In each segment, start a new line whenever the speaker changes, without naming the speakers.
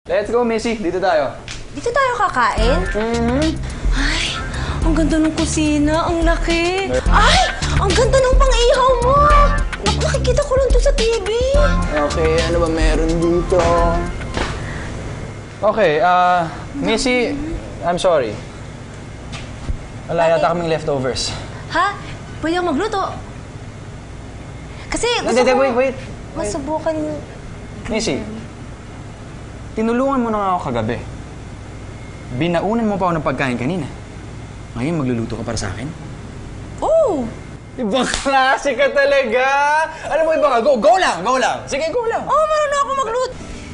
Let's go, Missy. Dito tayo.
Dito tayo kakain? Ay, ang ganda ng kusina. Ang laki. Ay, ang ganda ng pang-ihaw mo. Nakikita ko lang to sa TV.
Okay, ano ba meron dito? Okay, Missy, I'm sorry. Wala yata kaming leftovers.
Ha? Pwede akong magluto? Kasi gusto
Hindi,
ko
wait.
masubukan yung...
Missy, tinulungan mo na nga ako kagabi. Binaunan mo pa ako ng pagkain kanina. Ngayon, magluluto ka para sa akin?
Oh!
Ibang klase ka talaga! Alam mo, iba ka. Go lang! Sige, go lang!
Oh, marunong ako magluto.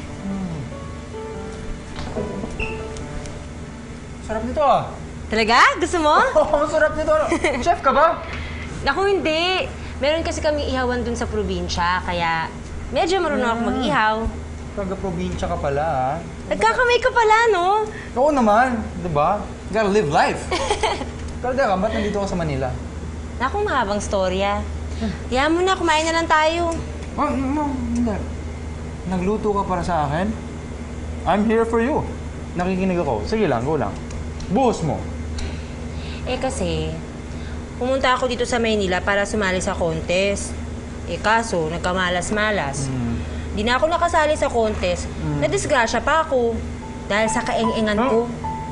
Sarap nito ah!
Talaga? Gusto mo?
Oo, sarap nito. Chef ka ba?
Ako hindi. Meron kasi kami ihawan dun sa probinsya, kaya medyo marunong ako mag-ihaw.
Taga-probinsya ka pala ah.
Nagkakamay ka pala, no?
Oo naman, di ba? You gotta live life. Kalda ka, ba't nandito ka sa Manila?
Naku, mahabang storya. Kaya mo na, kumain na lang tayo.
Oh, no, hindi. Nagluto ka para sa akin? I'm here for you. Nakikinig ako. Sige lang, go lang. Buhos mo.
Eh kasi, pumunta ako dito sa Maynila para sumali sa contest. Eh kaso, nagkamalas-malas. Di na ako nakasali sa contest. Nadisgrasya pa ako. Dahil sa kaeng-engan ko.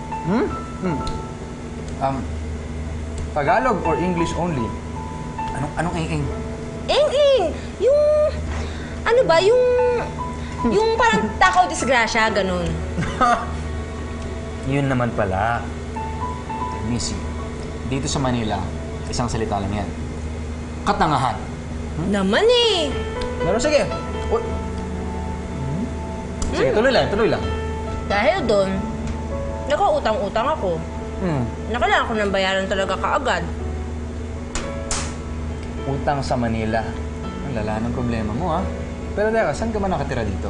Tagalog or English only? Anong eng-eng?
Eng-eng! Yung... Ano ba? Yung parang takaw disgrasya, ganun.
Yun naman pala. Missy, dito sa Manila, isang salita lang yan. Katangahan.
Naman eh!
Pero sige. Uy. Sige, tuloy lang.
Dahil doon, nakautang-utang ako. Nakailangan ko ng bayaran talaga kaagad.
Utang sa Manila. Ang lala ng problema mo, ha? Pero teka, saan ka ba nakatira dito?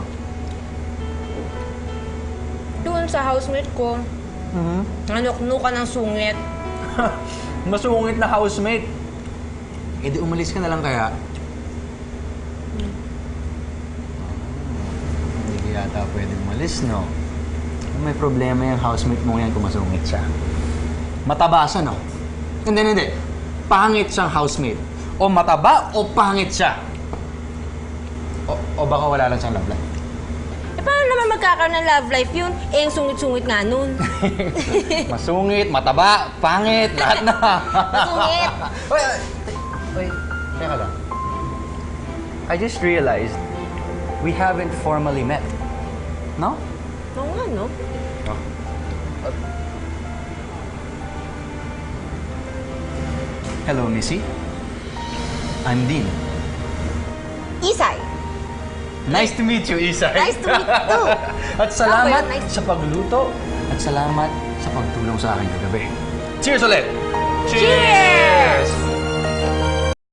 Doon sa housemate ko, nanuknukan ng sungit.
Masungit na housemate. Eh di umalis ka na lang kaya. Hindi ka yata pwede umalis, no? May problema yung housemate mo yan kung masungit siya. Mataba siya, no? Hindi. Pangit siyang housemate. O mataba o pangit siya. O baka wala lang siyang love life.
Eh, paano naman magkakaroon ng love life yun? Eh, yung sungit-sungit nga nun.
Masungit, mataba, pangit, lahat na.
Masungit.
Wait, teka lang. I just realized we haven't formally met. No?
Oo nga, no?
Hello, Missy. I'm Dean.
Isay.
Nice to meet you, Isay.
Nice to meet you.
At salamat
Nice.
sa pagluto at salamat sa pagtulong sa akin kagabi. Cheers ulit!
Cheers!